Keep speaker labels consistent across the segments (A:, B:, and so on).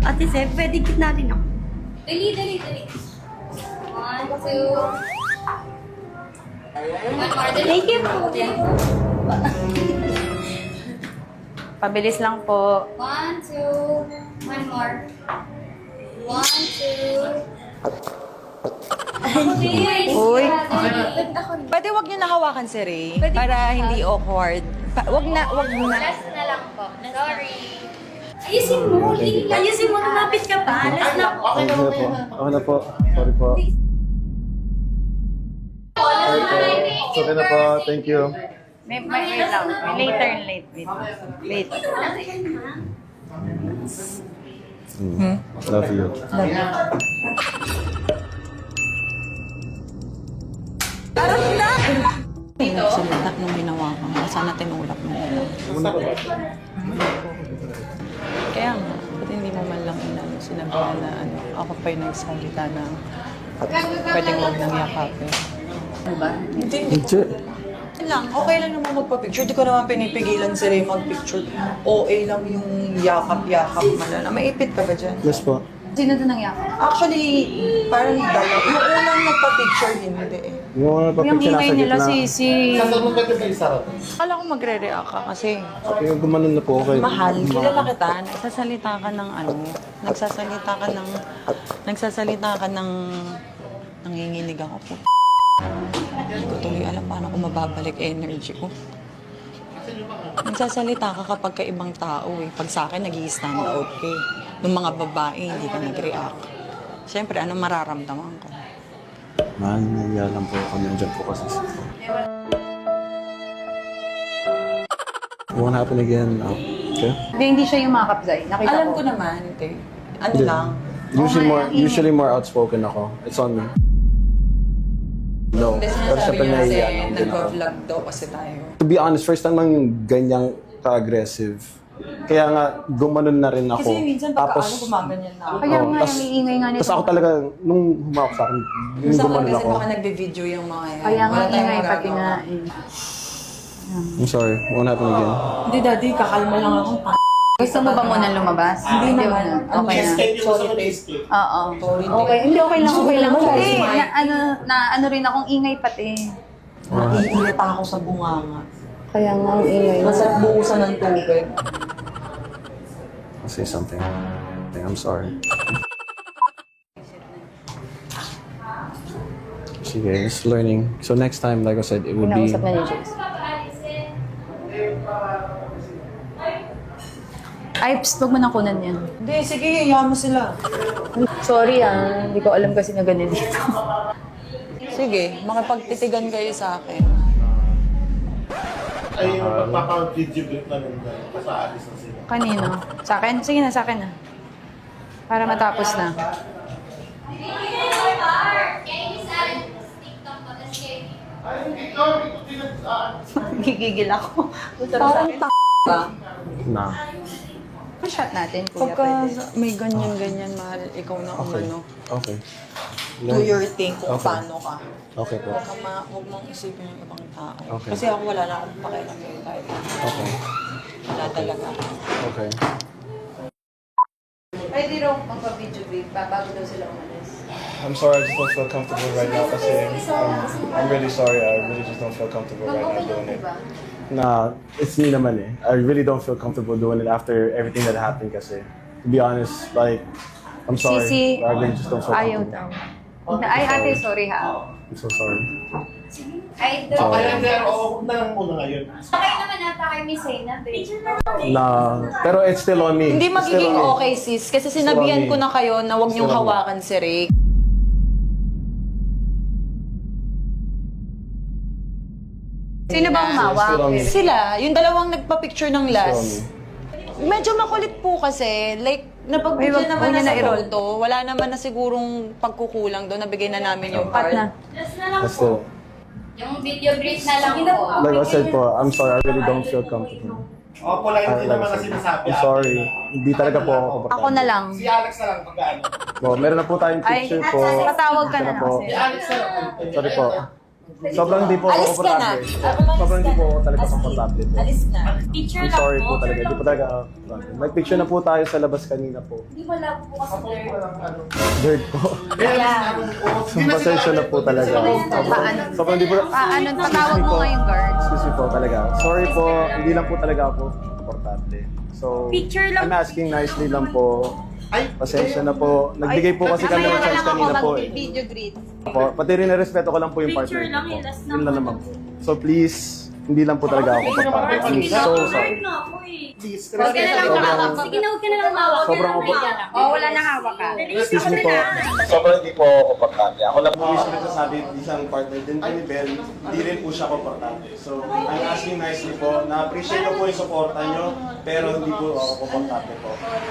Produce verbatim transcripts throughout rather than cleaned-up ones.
A: Ate Seb, pwede gitna rin ako.
B: Dali, dali, dali. One, two. One more. Dali.
A: Thank you po.
C: Pabilis lang po.
B: One, two. One more. One, two.
C: Uy. Pwede wag niyo nahawakan si Ray para hindi awkward. Pa wag na, wag na.
B: Last na lang po. Sorry.
A: Ayusin mo. Ayusin mo. Lumapit ka pa. Last na po.
D: Okay na po. Okay na po. Sorry po. Sorry po. Okay na po. Thank you.
C: May, may, wait lang. May later and late. Wait. Wait.
D: Mm. Love you.
C: Dito? Salita nung ginawa ko. Sana tinulak mo na.
D: Muna ba ba?
C: Kaya nga, ba't hindi mo man lang inano, sinabihan na ano, ako pa yung nagsalita na pwedeng huwag nang yakapin. Ano ba? Hindi.
D: Hindi.
E: lang, okay lang naman magpa-picture. Di ko naman pinipigilan si Ray mag-picture. O A lang yung yakap-yakap man na. Maipit ka ba dyan?
D: Yes po.
B: Sino doon ang yakap?
E: Actually, parang dalaw. Yung unang nagpa-picture, hindi eh.
D: Yung mga
C: Yung
D: papicture
C: ingay
D: nasa
C: nila
D: gitna.
C: si... si...
D: Saan mo pwede ba isarap?
C: Akala ko magre-react ka kasi
D: Yung gumanon na po okay.
C: mahal. Kilala kita, nagsasalita ka ng ano, nagsasalita ka ng... Nagsasalita ka ng... Nanginginig ako po. Hindi ko tuloy alam paano ko mababalik energy ko. Nagsasalita ka kapag ka ibang tao eh. Pag sa akin, nag-i-stand out ka eh. Nung mga babae, hindi ka nag-react. Siyempre, anong mararamdaman ko?
D: Man, naiya lang po ako. Nandiyan po kasi. Won't happen again. Uh, okay?
B: Hindi, hindi siya yung makeup, Zay. Nakita
E: Alam
B: ko.
E: ko naman, te. Ano
D: Hindi.
E: lang.
D: Usually
B: Oh,
D: more,
B: my-
D: usually more outspoken ako. It's on me. No.
E: Hindi
D: Pero
E: sinasabi
D: syempre
E: niya kasi
D: naiya lang din ako.
E: nag-vlog daw kasi tayo.
D: To be honest, first time lang yung ganyang ka-aggressive. Kaya nga, gumanon na rin ako.
E: Kasi minsan pagka ano, gumaganyan na ako.
B: Kaya
D: Oo,
B: nga,
D: tas-
B: yung iingay nga nito.
D: Tapos ako talaga, nung humawak sa akin, yung
E: Sa akin
D: gumanon
E: kasi
D: ako.
E: baka nagbe-video yung mga yan.
B: Kaya nga,
E: Wala tayong
B: ingay pati
E: magagawa.
B: nga. Eh.
D: I'm sorry, won't happen again.
E: Hindi, daddy, kakalma lang ako.
B: Gusto mo ba muna lumabas?
E: Hindi naman.
B: na. Okay na.
E: Sorry, taste.
B: Oo.
E: Sorry,
B: Okay, hindi okay lang, okay lang.
E: Gusto ko
B: Kasi
E: naman,
B: na, ano, na ano rin akong ingay pati.
E: Naiinit ako sa bunganga.
B: Kaya nga ang ingay.
E: Masarap bukusan ng tubig.
D: I'll say something. I'm sorry. Sige, just learning. So next time, like I said, it would be...
B: Pinausap na ni Jace. Ay, psst, huwag mo nang kunan yan.
E: Hindi, sige, hiyahan mo sila.
B: Sorry ah, hindi ko alam kasi na ganun dito.
C: Sige, makipagtitigan kayo sa akin.
F: Ay, yung magpapa-video clip na nung sa alis na sila.
B: Kanino? Sa akin? Sige na, sa akin na. Para matapos na.
F: Ay, ikaw, ito pinag-aan.
B: Gigigil ako.
E: Parang t*** ba?
D: Na.
B: Pa-shot natin, kuya.
C: Pagka
B: Pwede.
C: may ganyan-ganyan, mahal, ikaw na
D: Okay.
C: umano.
D: Okay.
E: Do your thing kung
D: Okay.
E: paano ka.
D: Okay po.
C: Huwag kang ma- huwag mong isipin yung ibang tao.
D: Okay.
C: Kasi ako wala na akong pakialam kayo kahit
D: Okay.
C: wala talaga.
D: Okay.
B: Pwede raw magpa-video clip pa bago daw sila umalis.
D: I'm sorry, I just don't feel comfortable right now kasi um, I'm really sorry. I really just don't feel comfortable right now doing it. Nah, it's me naman eh. I really don't feel comfortable doing it after everything that happened kasi. To be honest, like, I'm sorry.
B: Sisi,
D: I really just don't feel
B: ayaw
D: comfortable.
B: daw. Ay, ate, sorry ha.
D: I'm so sorry.
B: Ay,
F: Okay,
D: Sorry.
F: pero huwag na lang muna ngayon.
B: Okay naman ata kay Miss Zayna, babe.
D: Nah, pero it's still on me.
C: Hindi
D: It's still
C: magiging
D: on me.
C: okay, sis. Kasi sinabihan
D: Still on me.
C: ko na kayo na huwag niyong
D: Still on me.
C: hawakan si Ray.
B: Sino ba umawak?
D: Still on me.
C: Sila, yung dalawang nagpa-picture ng
D: Still on
C: last.
D: me.
C: Medyo makulit po kasi, like,
B: Ay,
C: napagbigyan
B: wag-
C: naman
B: wag
C: na
B: niya
C: sa
B: na i-roll.
C: photo. Wala naman na sigurong pagkukulang doon. Nabigay na namin yung
B: Cut
C: part.
B: na.
D: But still,
B: Yung video brief na lang po.
D: like I said po, I'm sorry. I really don't feel comfortable.
F: Opo lang,
D: Uh,
F: hindi
D: like
F: naman
D: I
F: na
D: said,
F: sinasabi.
D: I'm sorry. Hindi talaga po ako komportable.
B: Ako na lang.
F: Si Alex na lang pag-ano.
D: Well, meron na po tayong
B: Ay,
D: picture po.
B: patawag ka na
D: Ito
B: na
D: po.
B: kasi.
F: Si Alex na lang.
D: Sorry po. Sobrang hindi po ako
C: Alis ka na.
D: komportable.
C: Ako, alis
D: Sobrang hindi
C: ka
D: po
C: na.
D: ako talaga
C: As in,
D: komportable po.
C: Alis na.
A: Picture
D: I'm
A: lang
D: sorry
A: po.
D: po talaga. Hindi po talaga ako komportable. Nag-picture na po tayo sa labas kanina po.
A: malabo po kasi
F: Ako
A: there.
F: parang ano.
D: Dirt po.
A: Yeah.
D: So, pasensya na po talaga.
B: Paano?
D: Sobrang di po.
B: Paano? Patawag mo nga yung guards.
D: Excuse me po talaga. Sorry po, hindi lang po talaga ako importante. So,
A: Picture lang.
D: I'm asking nicely lang po.
F: Ay,
D: Pasensya na po. Nagbigay po kasi kami ng chance kanina po eh.
B: Video greet.
D: Po, pati rin na-respeto ko lang po yung partner
A: Picture
D: ko
A: lang,
D: po.
A: eh, last na
D: Yun lang
A: ako.
D: naman po. So please, hindi lang po talaga ako kapatid. I'm
A: Sige na,
D: so
A: so,
D: sorry.
A: na ako eh.
F: please.
A: Huwag ka na lang
D: Sobrang-
A: hawak. Sige na, huwag ka na lang hawak.
D: Sobrang
A: Huwag ka na lang
B: Oh, wala na hawak ka.
D: Excuse me po. Sobrang hindi po ako komportable. Ako lang po mismo nagsasabi, isang partner din po ni Bel, hindi rin po siya komportable. So, I'm asking nicely po, na-appreciate ko po yung suporta nyo, pero hindi po ako komportable po.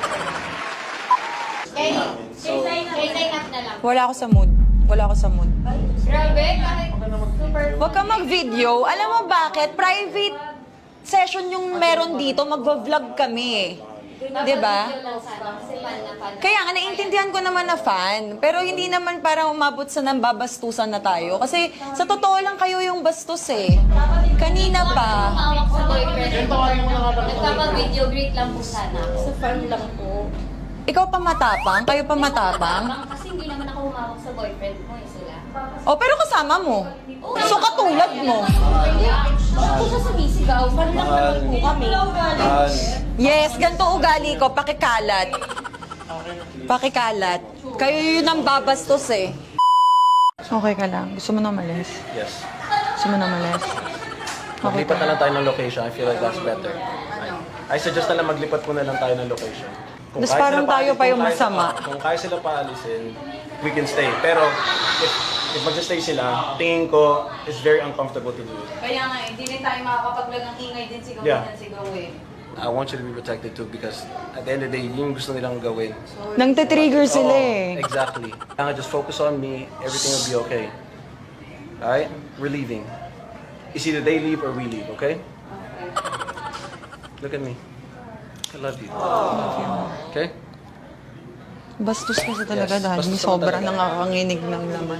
D: So,
A: K-line up na lang.
C: Wala ako sa mood. Wala ako sa mood.
A: Grabe, kahit super.
C: Huwag ka mag-video. Alam mo bakit? Private session yung meron dito. Magva-vlog kami. Di ba? Kaya nga, naiintindihan ko naman na fan. Pero hindi naman para umabot sa nambabastusan na tayo. Kasi sa totoo lang kayo yung bastos eh. Kanina pa.
A: Hawak sa boyfriend. Nagpapag-video greet lang po sana. Sa fan lang po.
C: Ikaw pa matapang? Kayo pa matapang?
A: Kasi hindi naman ako humawak sa boyfriend mo eh sila.
C: O, pero kasama mo. So, katulad mo.
A: Bakit po siya sumisigaw? Fan lang naman po kami.
C: Yes, ganito ugali ko. Pakikalat. Pakikalat. Kayo yun ang babastos eh. Okay ka lang. Gusto mo na umalis?
G: Yes.
C: Gusto mo na umalis? Okay
G: Maglipat
C: ka.
G: na lang tayo ng location. I feel like that's better. I, I suggest na lang maglipat muna lang tayo ng location. Kung
C: Mas
G: kaya
C: parang
G: sila
C: tayo
G: paalisin,
C: pa yung
G: kung kaya
C: masama.
G: sila pa- Kung kaya sila paalisin, we can stay. Pero if, if mag-stay sila, tingin ko, it's very uncomfortable to do it.
B: Kaya nga, hindi rin tayo makakapaglag ng ingay din sigaw
G: Yeah.
B: ng sigaw eh.
G: I want you to be protected too because at the end of the day, yun yung gusto nilang gawin.
C: Nang trigger sila
G: Oo,
C: eh.
G: Exactly. Kaya just focus on me, everything will be okay. Alright? We're leaving. It's either they leave or we leave, okay? Look at me. I love you. Okay?
C: Bastos kasi talaga,
G: Yes,
C: Daddy.
G: bastos naman
C: Sobrang
G: talaga.
C: nangakanginig ng laman.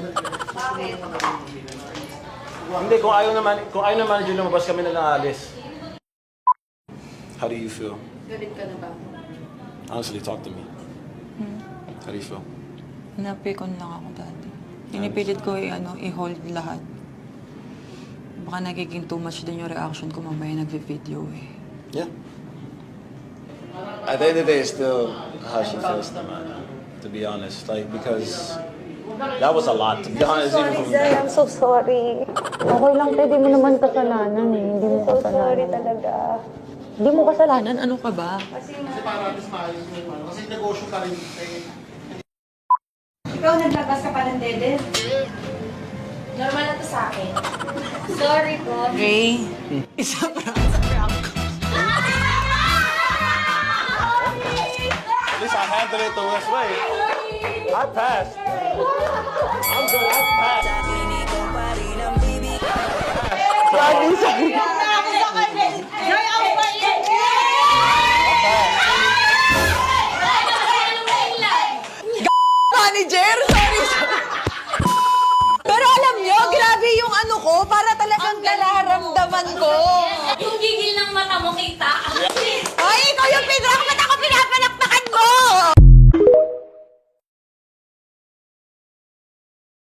G: Hindi, kung ayaw naman, kung ayaw naman manager lumabas kami na lang alis. How do you feel?
B: Galit ka na ba?
G: Honestly, talk to me. How do you feel?
C: Napikon lang ako, Daddy. Pinipilit ko i- ano, i-hold lahat. Baka nagiging too much din yung reaction ko mamaya nagvi-video eh.
G: Yeah. At the end of the day, it's still how she feels naman, to be honest. Like, because that was a lot, to be honest, even from
H: I'm so sorry. Okay lang, te. Di mo naman kasalanan eh. Hindi mo kasalanan. So sorry talaga.
C: Hindi mo kasalanan, ano ka ba?
F: Kasi para mas maayos yung ano. Kasi negosyo ka rin. Eh,
B: Ikaw naglabas ka pa ng dede?
A: Normal na to sa akin. Sorry po.
C: Ray, isa pa.
G: At least I handled it the worst way. I passed. I'm good. I passed.
C: Sorry, sorry. Manager, sorry, sorry. Pero alam nyo, grabe yung ano ko, para talagang nararamdaman ko.